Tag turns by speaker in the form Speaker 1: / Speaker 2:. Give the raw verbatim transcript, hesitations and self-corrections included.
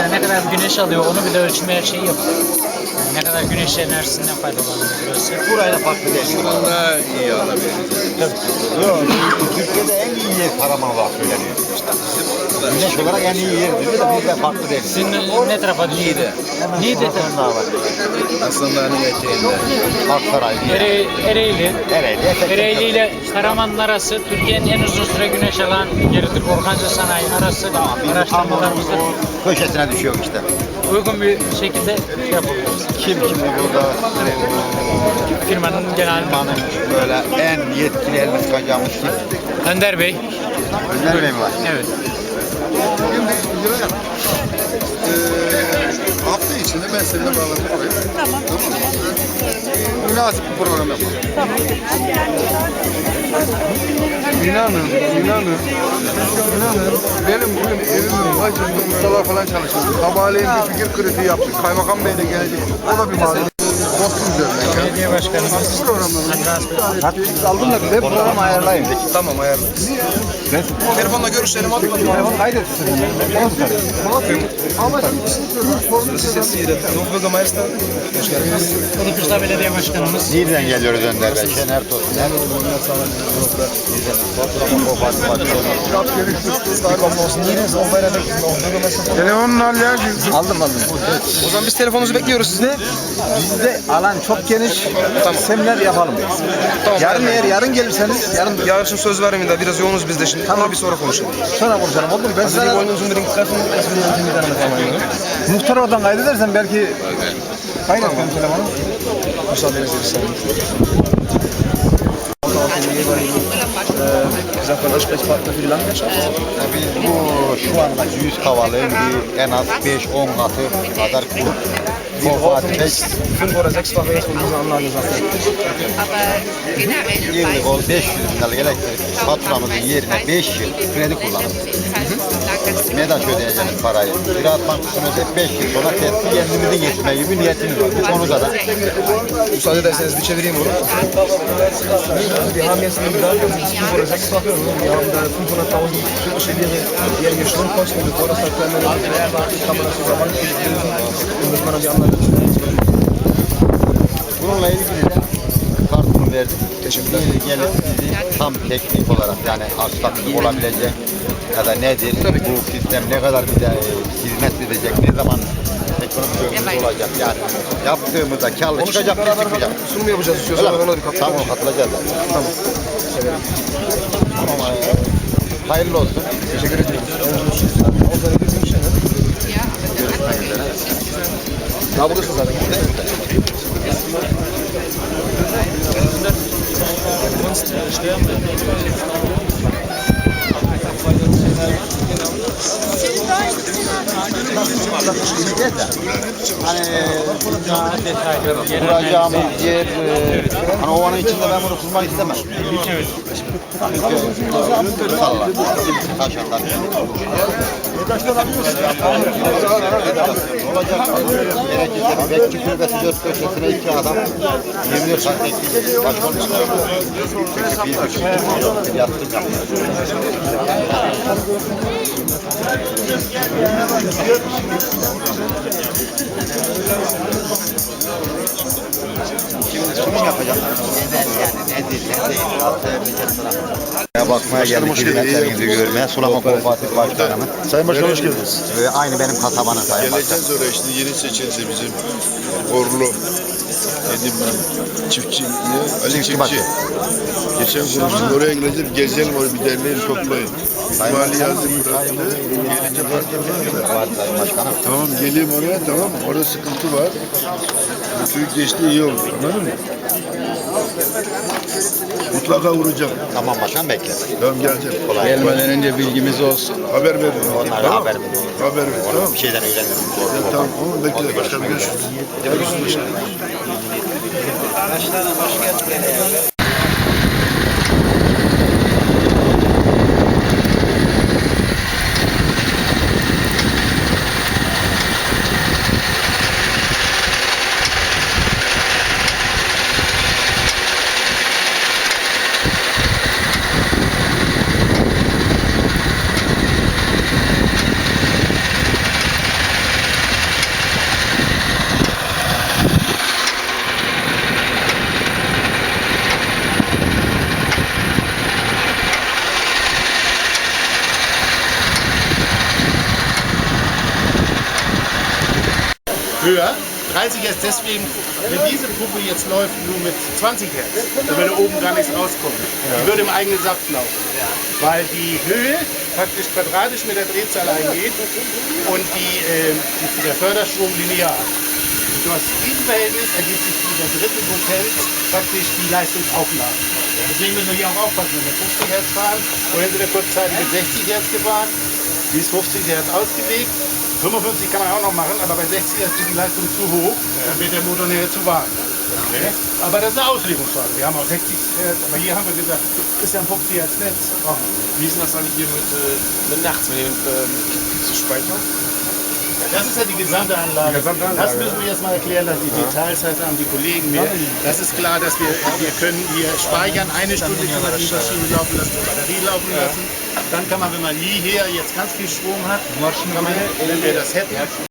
Speaker 1: mesela ne kadar güneş alıyor onu bile ölçmeye şey yapıyor. Yani ne kadar güneş enerjisinden faydalanıyor burası.
Speaker 2: Burayla farklı değil.
Speaker 3: Şuradan daha iyi alabiliriz.
Speaker 2: Yok, Türkiye'de en iyi yer Karaman olarak söyleniyor. Güneş olarak en iyi yer diyor da bizde farklı değil.
Speaker 1: Sizin ne tarafa düşüyor?
Speaker 3: Niğde.
Speaker 1: Niğde.
Speaker 2: Sonrasında var.
Speaker 3: Aslanların eteğinde.
Speaker 2: Aksaray diye.
Speaker 1: Ere, Ereğli.
Speaker 2: Ereğli.
Speaker 1: Ereğli ile Karaman'ın arası Türkiye'nin en uzun süre güneş alan yeridir. Orhanca Sanayi arası araştırmalarımızda
Speaker 2: O köşesine düşüyor işte.
Speaker 1: uygun bir şekilde şey yapıyoruz.
Speaker 2: Kim şimdi burada
Speaker 1: Firmanın genel
Speaker 2: firmanın böyle en yetkili elini sıkacağımız kim?
Speaker 1: Önder Bey.
Speaker 2: Önder Bey mi var?
Speaker 1: Evet.
Speaker 3: Ee, hafta içinde ben seninle bağlantıp koyayım. Tamam. Tamam mı? Münasip bir program yapalım. İnanın, inanın, inanın benim bugün evimin başında ustalar falan çalışıyordu. Sabahleyin bir fikir kritiği yaptık. Kaymakam Bey de gelecek. O da bir malzeme. Kostüm üzerinden.
Speaker 1: Belediye Başkanımız
Speaker 2: Siz aldın da bize program ayarlayın.
Speaker 3: Tamam ayarlarız. Telefonla görüşelim abi.
Speaker 2: Telefonu kaydetsin.
Speaker 3: Ama sesiyle. Yok Bürgermeister. Hoş geldiniz.
Speaker 1: Kılıçdaroğlu Belediye Başkanımız.
Speaker 2: Nereden geliyoruz Önder Bey? Şener Tosuner.
Speaker 3: Telefonun halleri.
Speaker 2: Aldım aldım.
Speaker 3: O zaman biz telefonunuzu bekliyoruz sizde.
Speaker 2: Bizde alan çok geniş.
Speaker 3: Tamam.
Speaker 2: Seminer yapalım.
Speaker 3: Tamam.
Speaker 2: Yarın eğer yarın gelirseniz yarın
Speaker 3: Yarın için söz vermeyin de biraz yoğunuz biz de şimdi. Tamam bir sonra konuşalım.
Speaker 2: sonra konuşalım oldu mu? Ben
Speaker 3: Sizin
Speaker 2: sana
Speaker 3: boynunuzun bir kısmını
Speaker 2: muhtar oradan kaydedersen belki kaydet benim telefonu.
Speaker 3: müsaadenizle bir saniye. Sagt man Ansprechpartner für die Landwirtschaft?
Speaker 2: Tabii bu şu anda yüz havalığın bir en az beş on katı kadar kurup
Speaker 3: Wir
Speaker 2: bu
Speaker 3: brauchen
Speaker 2: Fatih
Speaker 3: bis fünf oder sechsfache jetzt von dieser Anlage Sache.
Speaker 4: Aber generell
Speaker 2: yıllık ol beş yüz bin liralık elektrik faturamızın yerine beş yıl kredi kullanırız. MEDAŞ ödeyeceğimiz parayı Ziraat Bankası'nı ödeyip beş yıl sonra teslim kendimizi geçme gibi niyetimiz var. Bu konuda da
Speaker 3: Müsaade ederseniz bir çevireyim onu. Wir haben jetzt einen Bedarf, das ist fünf oder sechsfache. Wir haben da fünfhunderttausend türkische Lire jährige Stromkosten. Bevor das halt keine kann man das über Bankkredit lösen. Und muss man dann die Anlage
Speaker 2: bununla ilgili de kartını verdik.
Speaker 3: Teşekkürler.
Speaker 2: Bir gelip bizi tam teknik olarak yani aksaklık olabilecek ya da nedir, bu sistem ne kadar bize e, hizmet edecek, ne zaman ekonomik ömrümüz olacak yani yaptığımızda karlı çıkacak mı çıkmayacak.
Speaker 3: Sunum yapacağız istiyorsan
Speaker 2: Öyle mi?
Speaker 3: ona bir katkı.
Speaker 2: Tamam katılacağız zaten.
Speaker 3: Tamam.
Speaker 2: Tamam, e, hayırlı olsun.
Speaker 3: Teşekkür ederim.
Speaker 2: Görüşmek üzere.
Speaker 3: Daha buradasın zaten.
Speaker 2: Hani kuracağımız yer, e, hani ovanın içinde ben bunu kurmak istemem.
Speaker 1: Evet.
Speaker 2: Çünkü salla, taş atar. Olacak. Gerekirse bir bekçi kulübesi dört köşesine iki adam yirmi dört saat bekleyecek. Baş olmak. Çünkü bir buçuk milyon bir yatırım yapıyor. Kim yapacak? Neden yani? Nedir? Ne değil? Nasıl yapacak sana? Bakmaya geldik hizmetlerinizi görmeye. Sulama Kooperatif Başkanımız.
Speaker 5: Sayın Başkan hoş geldiniz.
Speaker 2: Ve aynı benim kasabanın sayın başkanım.
Speaker 5: Geleceğiz oraya şimdi yeni seçildi bizim Orlu dedim ben çiftçi ne? Ali
Speaker 2: Çiftçi
Speaker 5: Çiftçi.
Speaker 2: başı.
Speaker 5: Geçen konuştuk oraya gideceğiz gezelim oraya bir derneği toplayın. Mali yazdım bıraktı. Gelince fark etmez.
Speaker 2: Var sayın başkanım.
Speaker 5: Tamam geleyim oraya tamam mı? Orada sıkıntı var. Bu çocuk geçti iyi oldu anladın mı? Mutlaka vuracağım.
Speaker 2: Tamam başkan bekle.
Speaker 5: Tamam geleceğim.
Speaker 2: Kolay.
Speaker 3: Gelmeden önce bilgimiz olsun.
Speaker 5: Haber verin.
Speaker 2: Onlara
Speaker 5: Tamam.
Speaker 2: haber verin.
Speaker 5: Haber ver. Tamam.
Speaker 2: Bir şeyden öğrenirim.
Speaker 5: Ya, tamam. Tamam. Bekle. Başkanım görüşürüz. Görüşürüz.
Speaker 6: höher. dreißig Hertz deswegen, wenn diese Pumpe jetzt läuft nur mit zwanzig Hertz, dann würde oben gar nichts rauskommen. Die würde im eigenen Saft laufen. Weil die Höhe praktisch quadratisch mit der Drehzahl eingeht und die, äh, die, der Förderstrom linear. Und aus diesem Verhältnis ergibt sich dieser dritten Potenz praktisch die Leistungsaufnahme. Deswegen müssen wir hier auch aufpassen, wenn wir fünfzig Hertz fahren. Vorhin sind wir kurzzeitig mit sechzig Hertz gefahren. Die ist fünfzig Hertz ausgelegt. fünfundfünfzig kann man auch noch machen, aber bei sechzig Hertz ist die Leistung zu hoch, dann wird der Motor nachher zu warm. Okay. Aber das ist eine Auslegungsfrage. Wir haben auch sechzig Hertz, aber hier haben wir gesagt, ist ja ein fünfzig Hertz Netz.
Speaker 3: Wie ist denn das eigentlich hier mit, äh, mit nachts, mit dem ähm, Speicher?
Speaker 6: Das ist ja die gesamte Anlage.
Speaker 3: Die gesamte Anlage,
Speaker 6: das müssen wir jetzt mal erklären, dass die Details halt haben die Kollegen mehr. Das ist klar, dass wir, wir können hier speichern, eine Stunde können wir die Maschine laufen lassen, die Batterie laufen lassen. Dann kann man, wenn man hierher jetzt ganz viel Strom hat, kann man, wenn wir das hätten,